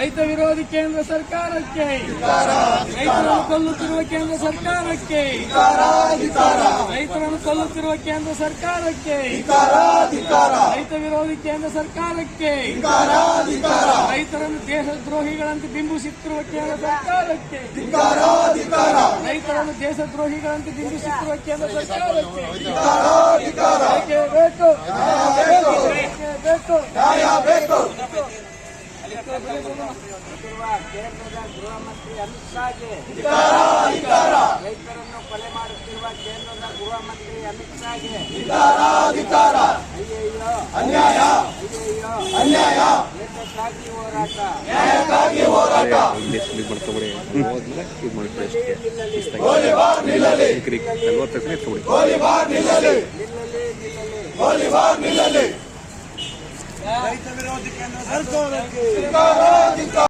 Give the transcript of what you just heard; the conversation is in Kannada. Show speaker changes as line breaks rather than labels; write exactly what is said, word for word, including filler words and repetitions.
ರೈತ ವಿರೋಧಿ ಕೇಂದ್ರ ಸರ್ಕಾರಕ್ಕೆ, ರೈತರನ್ನು ಕೊಲ್ಲುತ್ತಿರುವ ಕೇಂದ್ರ ಸರ್ಕಾರಕ್ಕೆ, ರೈತರನ್ನು ಕೊಲ್ಲುತ್ತಿರುವ ಕೇಂದ್ರ ಸರ್ಕಾರಕ್ಕೆ, ರೈತ ವಿರೋಧಿ ಕೇಂದ್ರ ಸರ್ಕಾರಕ್ಕೆ, ರೈತರನ್ನು ದೇಶದ್ರೋಹಿಗಳಂತೆ ಬಿಂಬಿಸುತ್ತಿರುವ ಕೇಂದ್ರ ಸರ್ಕಾರಕ್ಕೆ, ರೈತರನ್ನು ದೇಶದ್ರೋಹಿಗಳಂತೆ ಬಿಂಬಿಸುತ್ತಿರುವ ಕೇಂದ್ರ ಸರ್ಕಾರಕ್ಕೆ ಬೇಕು ಬೇಕು ಬೇಕು.
ಕೇಂದ್ರದ ಗೃಹ ಮಂತ್ರಿ ಅಮಿತ್ ಶಾಗೆ, ರೈತರನ್ನು ಕೊಲೆ ಮಾಡುತ್ತಿರುವ ಕೇಂದ್ರದ ಗೃಹ ಮಂತ್ರಿ ಅಮಿತ್ ಶಾಗೆ ಅಯ್ಯಯ್ಯೋ ಅನ್ಯಾಯ, ದೇಶಕ್ಕಾಗಿ ಹೋರಾಟ,
ರೈತ ವಿರೋಧಿ ಕೇಂದ್ರ ಸರ್ಕಾರಕ್ಕೆ